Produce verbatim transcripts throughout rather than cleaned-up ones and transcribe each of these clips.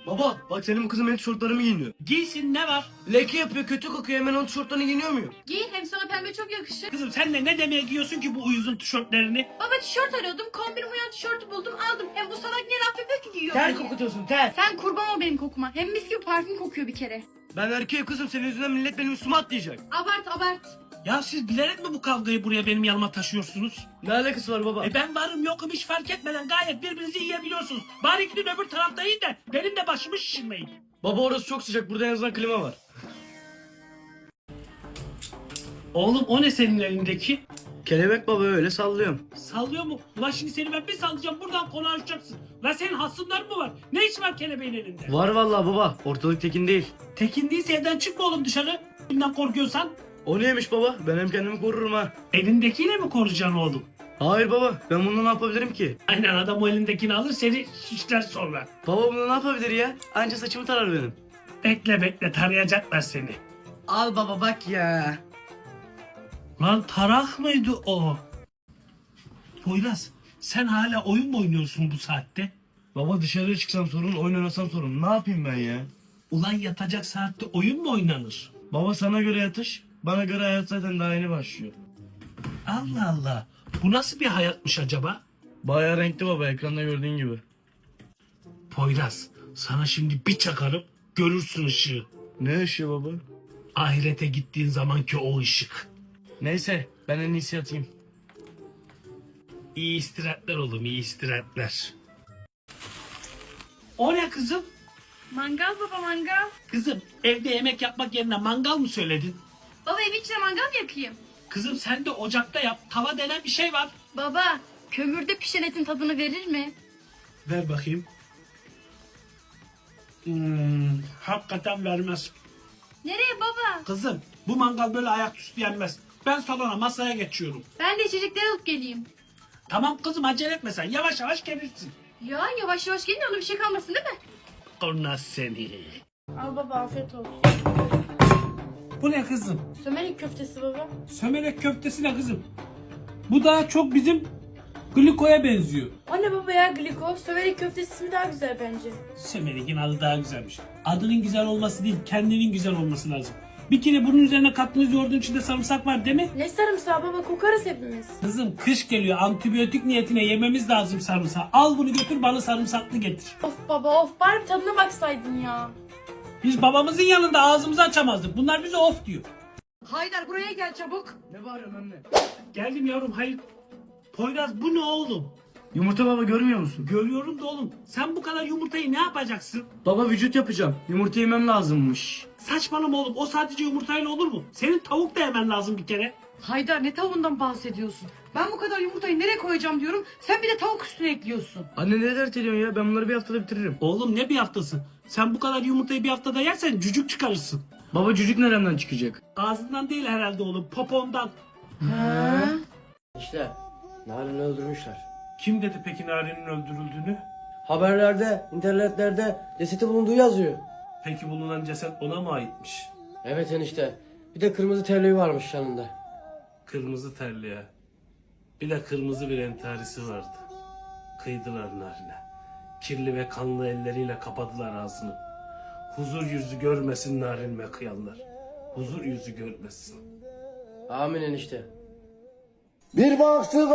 Baba bak senin bu kızım benim tişörtlerimi giyiniyor. Giysin, ne var? Leke yapıyor, kötü kokuyor, hemen onun tişörtlerini giyiniyor muyum? Giy, hem sana pembe çok yakışır. Kızım sen de ne demeye giyiyorsun ki bu uyuzun tişörtlerini? Baba tişört arıyordum, kombin uyan tişörtü buldum aldım. Hem bu salak niye laf yapıyor ki giyiyor Ter diye. kokutuyorsun ter. Sen kurban ol benim kokuma. Hem mis gibi parfüm kokuyor bir kere. Ben erkeğim kızım, senin yüzünden millet benim üstüme atlayacak. Abart abart. Ya siz bilerek mi bu kavgayı buraya benim yanıma taşıyorsunuz? Ne alakası var baba? E ben varım yokum hiç fark etmeden gayet birbirinizi yiyebiliyorsunuz. Bari gidin öbür tarafta yiyin de benim de başımı şişirmeyin. Baba orası çok sıcak, burada en azından klima var. Oğlum o ne senin elindeki? Kelebek baba, öyle sallıyorum. Sallıyor mu? Ulan şimdi seni ben bir sallayacağım buradan konuşacaksın. Lan senin hasımların mı var? Ne iş var kelebeğin elinde? Var vallahi baba, ortalık tekin değil. Tekin değilse evden çıkma oğlum dışarı. Bundan korkuyorsan. O neymiş baba? Ben hem kendimi korurum ha. Elindekiyle mi koruyacaksın oğlum? Hayır baba, ben bunu ne yapabilirim ki? Aynen, adam o elindekini alır seni şişler sonra. Baba bunu ne yapabilir ya? Anca saçımı tarar benim. Bekle bekle tarayacaklar seni. Al baba bak ya. Lan tarak mıydı o? Poyraz sen hala oyun mu oynuyorsun bu saatte? Baba dışarıya çıksam sorun, oyun oynasam sorun. Ne yapayım ben ya? Ulan yatacak saatte oyun mu oynanır? Baba sana göre yatış, bana göre hayat zaten daha yeni başlıyor. Allah Allah. Bu nasıl bir hayatmış acaba? Bayağı renkli baba, ekranda gördüğün gibi. Poyraz sana şimdi bir çakarım görürsün ışığı. Ne ışığı baba? Ahirete gittiğin zamanki o ışık. Neyse, ben en iyisi yatayım. İyi istirahatler oğlum, iyi istirahatler. O ne kızım? Mangal baba mangal. Kızım evde yemek yapmak yerine mangal mı söyledin? Baba evin içine mangal mı yakayım? Kızım sen de ocakta yap. Tava denen bir şey var. Baba kömürde pişen etin tadını verir mi? Ver bakayım. Hmm, hakikaten vermez. Nereye baba? Kızım bu mangal böyle ayaküstü yenmez. Ben salona masaya geçiyorum. Ben de içecekleri alıp geleyim. Tamam kızım acele etme sen. Yavaş yavaş gelirsin. Ya yavaş yavaş gelin, ona bir şey kalmasın değil mi? Ona seni. Al baba afiyet olsun. Bu ne kızım? Sömelik köftesi baba. Sömelek köftesi ne kızım? Bu daha çok bizim glikoya benziyor. O ne baba ya gliko? Sömelik köftesi ismi daha güzel bence. Sömelek'in adı daha güzelmiş. Adının güzel olması değil, kendinin güzel olması lazım. Bir kere bunun üzerine kattığınız yoğurdun içinde sarımsak var değil mi? Ne sarımsağı baba, kokarız hepimiz. Kızım kış geliyor, antibiyotik niyetine yememiz lazım sarımsağı. Al bunu götür bana sarımsaklı getir. Of baba of, bari bir tadına baksaydın ya. Biz babamızın yanında ağzımızı açamazdık. Bunlar bize of diyor. Haydar buraya gel çabuk. Ne bağırıyorsun anne? Geldim yavrum, hayır. Poyraz bu ne oğlum? Yumurta baba, görmüyor musun? Görüyorum da oğlum. Sen bu kadar yumurtayı ne yapacaksın? Baba vücut yapacağım. Yumurta yemem lazımmış. Saçmalama oğlum, o sadece yumurtayla olur mu? Senin tavuk da yemen lazım bir kere. Haydar ne tavuğundan bahsediyorsun? Ben bu kadar yumurtayı nereye koyacağım diyorum. Sen bir de tavuk üstüne ekliyorsun. Anne ne dert ediyorsun ya? Ben bunları bir haftada bitiririm. Oğlum ne bir haftası? Sen bu kadar yumurtayı bir haftada yersen cücük çıkarırsın. Baba cücük neremden çıkacak? Ağzından değil herhalde oğlum, popondan. İşte Narin'i öldürmüşler. Kim dedi peki Nari'nin öldürüldüğünü? Haberlerde, internetlerde cesedi bulunduğu yazıyor. Peki bulunan ceset ona mı aitmiş? Evet enişte. Bir de kırmızı terliği varmış yanında. Kırmızı terliğe. Bir de kırmızı bir entarisi vardı. Kıydılar Narin'e. Kirli ve kanlı elleriyle kapadılar ağzını. Huzur yüzü görmesin Narin'e kıyanlar. Huzur yüzü görmesin. Amin enişte. Bir baktı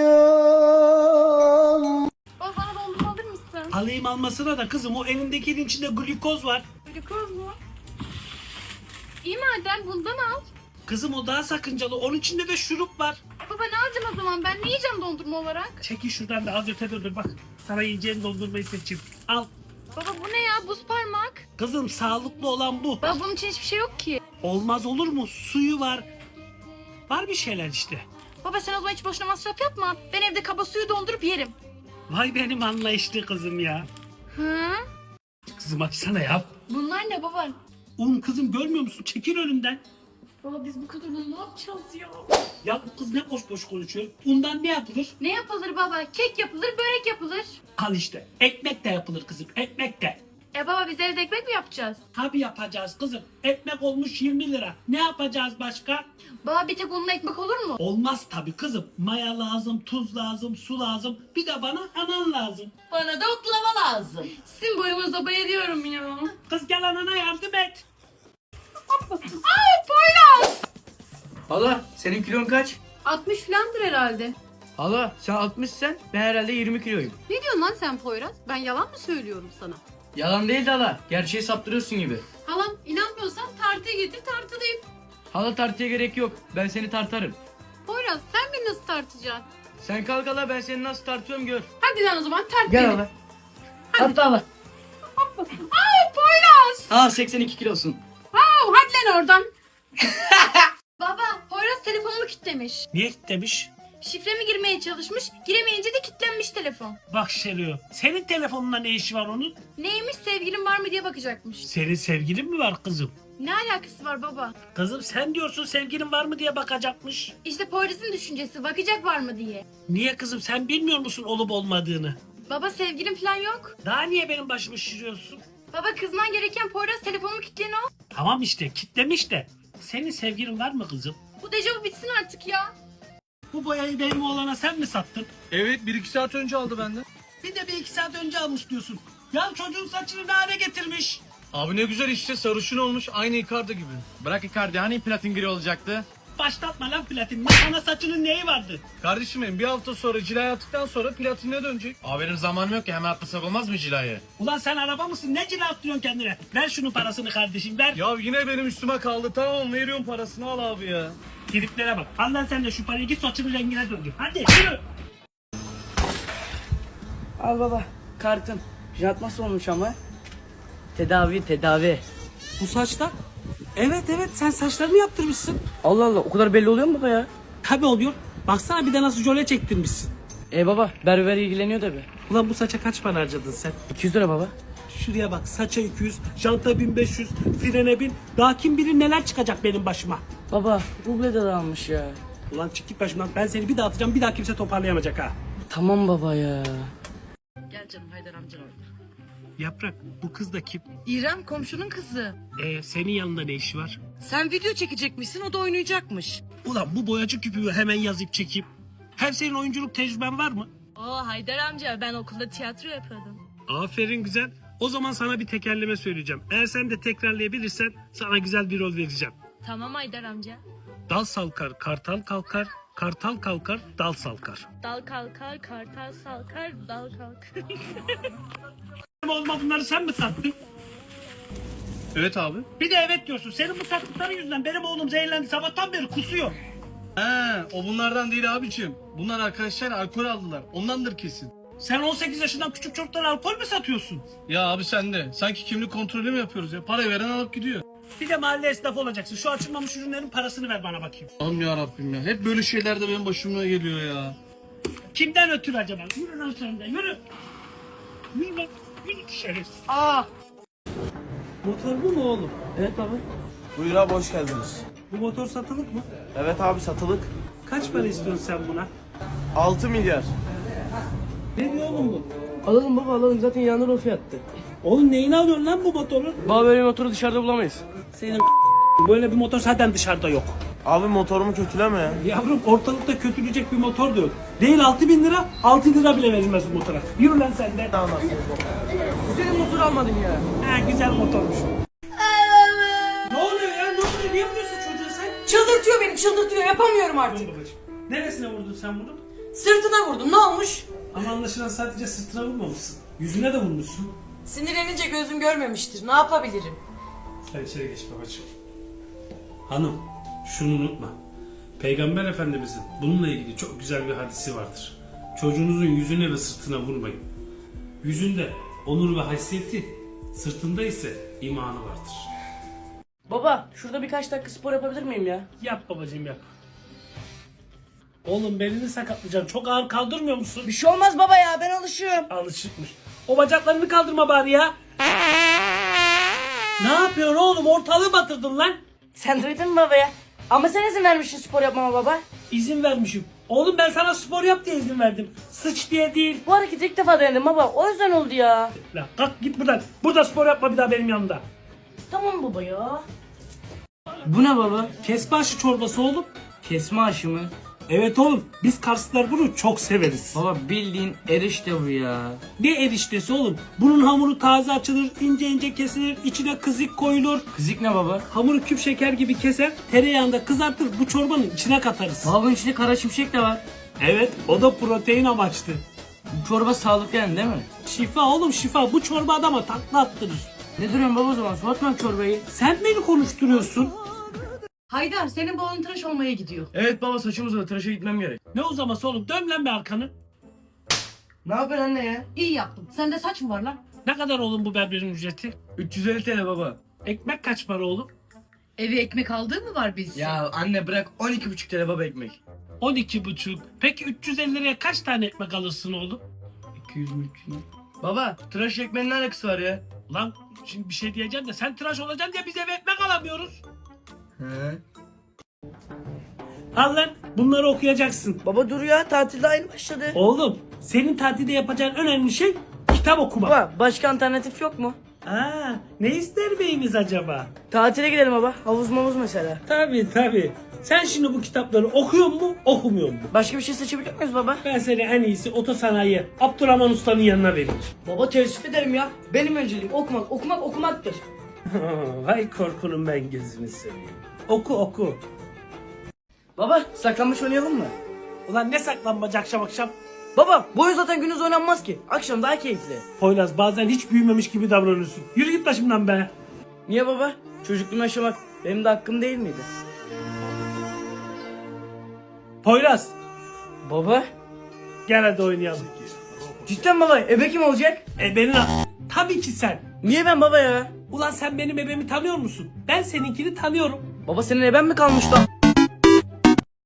karayım. Baba bana dondurma alır mısın? Alayım almasına da kızım, o elindekinin içinde glikoz var. Glikoz mu? İyi madem bundan al. Kızım o daha sakıncalı, onun içinde de şurup var. E baba ne alacağım o zaman, ben ne yiyeceğim dondurma olarak? Çekil şuradan da az ötede dur bak. Sana yiyeceğin dondurmayı seçeyim. Al. Baba bu ne ya, buz parmak? Kızım sağlıklı olan bu. Baba bunun için hiçbir şey yok ki. Olmaz olur mu? Suyu var. Var bir şeyler işte. Baba sen o zaman hiç boşuna masraf yapma. Ben evde kaba suyu dondurup yerim. Vay benim anlayışlı kızım ya. Hı? Kızım açsana ya. Bunlar ne baba? Un kızım, görmüyor musun? Çekil önümden. Baba biz bu kadar bunu ne yapacağız ya? Ya bu kız ne boş boş konuşuyor. Undan ne yapılır? Ne yapılır baba? Kek yapılır, börek yapılır. Al işte. Ekmek de yapılır kızım. Ekmek de. E baba biz evde ekmek mi yapacağız? Tabii yapacağız kızım. Ekmek olmuş yirmi lira. Ne yapacağız başka? Baba bir tek onunla ekmek olur mu? Olmaz tabii kızım. Maya lazım, tuz lazım, su lazım. Bir de bana anan lazım. Bana da oklava lazım. Sizin boyunuza bayılıyorum Poyraz gel anana yardım et. Aa Poyraz. Hala senin kilon kaç? altmış filandır herhalde. Hala sen altmışsen ben herhalde yirmi kiloyum. Ne diyorsun lan sen Poyraz? Ben yalan mı söylüyorum sana? Yalan değil de hala. Gerçeği saptırıyorsun gibi. Halam inanmıyorsan tartıya getir tartılayım. Hala tartıya gerek yok. Ben seni tartarım. Poyraz sen beni nasıl tartacaksın? Sen kalk hala, ben seni nasıl tartıyorum gör. Hadi lan o zaman tart Gel beni. hala. Hatta hala. Aa Poyraz. Aa seksen iki kilosun. Aa hadi lan oradan. Baba Poyraz telefonumu kilitlemiş. Niye demiş? Şifremi girmeye çalışmış. Giremeyince de kilitlenmiş telefon. Bak Şeriyo, senin telefonunda ne işi var onun? Neymiş sevgilim var mı diye bakacakmış. Senin sevgilin mi var kızım? Ne alakası var baba? Kızım sen diyorsun sevgilin var mı diye bakacakmış. İşte Poyraz'ın düşüncesi bakacak var mı diye. Niye kızım, sen bilmiyor musun olup olmadığını? Baba sevgilim falan yok. Daha niye benim başımı şişiriyorsun? Baba kızman gereken Poyraz telefonumu kilitleyen o. Tamam işte kitlemiş de. Senin sevgilin var mı kızım? Bu dejavu bitsin artık ya. Bu boyayı benim oğlana sen mi sattın? Evet, bir iki saat önce aldı benden. Bir de bir iki saat önce almış diyorsun. Ya çocuğun saçını ne hale getirmiş? Abi ne güzel işte, sarışın olmuş, aynı Icardi gibi. Bırak Icardi, hani platin gri olacaktı? Başlatma lan platinini. Sana saçının neyi vardı? Kardeşim benim bir hafta sonra cilayı attıktan sonra platinine dönecek. Abi benim zamanım yok ki, hemen atlasak olmaz mı cilayı? Ulan sen araba mısın? Ne cila attırıyorsun kendine? Ver şunun parasını kardeşim ver. Ya yine benim üstüme kaldı, tamam veriyorum parasını, al abi ya. Giriplere bak. Al lan sen de şu parayı, git saçının rengine döndür. Hadi yürü. Al baba kartın. Jant nasıl olmuş ama? Tedavi tedavi. Bu saçlar? Evet evet, sen saçlarını yaptırmışsın. Allah Allah, o kadar belli oluyor mu baba ya? Tabii oluyor. Baksana bir de nasıl jöle çektirmişsin. E baba berber ilgileniyor tabi. Ulan bu saça kaç para harcadın sen? iki yüz lira baba. Şuraya bak, saça iki yüz, janta bin beş yüz, frene bin. Daha kim bilir neler çıkacak benim başıma. Baba ruble de almış ya. Ulan çık git başımdan, ben seni bir daha atacağım, bir daha kimse toparlayamayacak ha. Tamam baba ya. Gel canım Haydar amcan orada. Yaprak, bu kız da kim? İrem komşunun kızı. Ee, senin yanında ne işi var? Sen video çekecekmişsin, o da oynayacakmış. Ulan bu boyacı küpümü hemen yazıp çekeyim. Hem senin oyunculuk tecrüben var mı? Oo Haydar amca ben okulda tiyatro yapıyordum. Aferin güzel. O zaman sana bir tekerleme söyleyeceğim. Eğer sen de tekrarlayabilirsen sana güzel bir rol vereceğim. Tamam Haydar amca. Dal salkar, kartal kalkar, kartal kalkar, dal salkar. Dal kalkar, kartal salkar, dal kalkar. Olma, bunları sen mi sattın? Evet abi. Bir de evet diyorsun. Senin bu sattıkların yüzünden benim oğlum zehirlendi. Sabahtan beri kusuyor. He, o bunlardan değil abicim. Bunlar arkadaşlar alkol aldılar. Ondandır kesin. Sen on sekiz yaşından küçük çocuklara alkol mü satıyorsun? Ya abi sen de. Sanki kimlik kontrolü mü yapıyoruz ya? Para veren alıp gidiyor. Bir de mahalle esnafı olacaksın. Şu açılmamış ürünlerin parasını ver bana bakayım. Aman ya Rabbim ya. Hep böyle şeyler de benim başıma geliyor ya. Kimden ötürü acaba? Yürü lan sen de, yürü. Yürü lan. Yürü şerefsiz. Aa. Motor bu mu oğlum? Evet baba. Buyur abi, hoş geldiniz. Bu motor satılık mı? Evet abi, satılık. Kaç para istiyorsun sen buna? altı milyar. Ne diyor oğlum bu? Alalım baba alalım, zaten yanında o fiyattı. Oğlum neyini alıyorsun lan bu motoru? Baba böyle bir motoru dışarıda bulamayız. Senin böyle bir motor zaten dışarıda yok. Abi motorumu kötüleme ya. Yavrum ortalıkta kötülecek bir motor da yok. Değil altı bin lira, altı lira bile verilmez bu motora. Yürü lan sen de. Tamam. Güzel motor almadın ya. Ha güzel motormuş. Ne oluyor ya? Ne oluyor? Niye vuruyorsun çocuğa sen? Çıldırtıyor beni, çıldırtıyor. Yapamıyorum artık. Dur babacığım. Neresine vurdun sen bunu? Sırtına vurdum, ne olmuş? Ama anlaşılan sadece sırtına vurmamışsın. Yüzüne de vurmuşsun. Sinirlenince gözüm görmemiştir. Ne yapabilirim? Sen içeri geç babacığım. Hanım, şunu unutma. Peygamber Efendimizin bununla ilgili çok güzel bir hadisi vardır. Çocuğunuzun yüzüne ve sırtına vurmayın. Yüzünde onur ve haysiyeti, sırtında ise imanı vardır. Baba şurada birkaç dakika spor yapabilir miyim ya? Yap babacığım yap. Oğlum belini sakatlayacaksın. Çok ağır kaldırmıyor musun? Bir şey olmaz baba ya, ben alışığım. Alışıkmış. O bacaklarını kaldırma bari ya. Ne yapıyorsun oğlum? Ortalığı batırdın lan. Sen duydun mu baba ya? Ama sen izin vermişsin spor yapmama baba. İzin vermişim. Oğlum ben sana spor yap diye izin verdim. Sıç diye değil. Bu hareketi ilk defa denedim baba, o yüzden oldu ya. La kalk git buradan. Burada spor yapma bir daha benim yanımda. Tamam baba ya. Bu ne baba? Kesme aşı çorbası oğlum. Kesme aşı mı? Evet oğlum, biz Karslılar bunu çok severiz. Baba bildiğin erişte bu ya. Ne eriştesi oğlum? Bunun hamuru taze açılır, ince ince kesilir, içine kızık koyulur. Kızık ne baba? Hamuru küp şeker gibi keser, tereyağında kızartır, bu çorbanın içine katarız. Baba bunun içinde kara şimşek de var. Evet, o da protein amaçlı. Bu çorba sağlıklı yani değil mi? Şifa oğlum şifa, bu çorba adama takla attırır. Ne duruyorsun baba o zaman? Soğutma çorbayı. Sen beni konuşturuyorsun. Haydar senin bu oğlun tıraş olmaya gidiyor. Evet baba saçım uzadı tıraşa gitmem gerek. Ne uzaması oğlum, dön lan bir arkanı. Ne yapıyorsun anne ya? İyi yaptın. Sende saç mı var lan? Ne kadar oğlum bu berberin ücreti? üç yüz elli T L baba. Ekmek kaç para oğlum? Eve ekmek aldığı mı var biz? Ya anne bırak on iki buçuk T L baba ekmek. on iki buçuk. Peki üç yüz elli liraya kaç tane ekmek alırsın oğlum? iki yüz mü üç yüz mü? Baba tıraş ekmeğinin ne alakası var ya? Ulan şimdi bir şey diyeceğim de sen tıraş olacaksın diye biz eve ekmek alamıyoruz. He. Al lan, bunları okuyacaksın. Baba dur ya, tatilde aynı başladı. Oğlum, senin tatilde yapacağın önemli şey kitap okumak. Baba başka alternatif yok mu? Aa, ne ister beyimiz acaba? Tatile gidelim baba. Havuz mavuz mesela. Tabii tabii. Sen şimdi bu kitapları okuyor mu, okumuyor mu? Başka bir şey seçebiliyor muyuz baba? Ben seni en iyisi otosanayi Abdurrahman Usta'nın yanına vereyim. Baba teessüf ederim ya. Benim önceliğim okumak, okumak, okumaktır. Vay korkunun ben gözünü seveyim. Oku oku. Baba saklanmaç oynayalım mı? Ulan ne saklanmaca akşam akşam? Baba bu oyun zaten gündüz oynanmaz ki. Akşam daha keyifli. Poyraz bazen hiç büyümemiş gibi davranıyorsun. Yürü git başımdan be. Niye baba? Çocukluğumu yaşamak benim de hakkım değil miydi? Poyraz Baba? gel hadi oynayalım. Cidden baba ebe kim olacak? E benim tabii ki sen. Niye ben baba ya? Ulan sen benim ebemi tanıyor musun? Ben seninkini tanıyorum. Baba senin eben mi kalmış lan?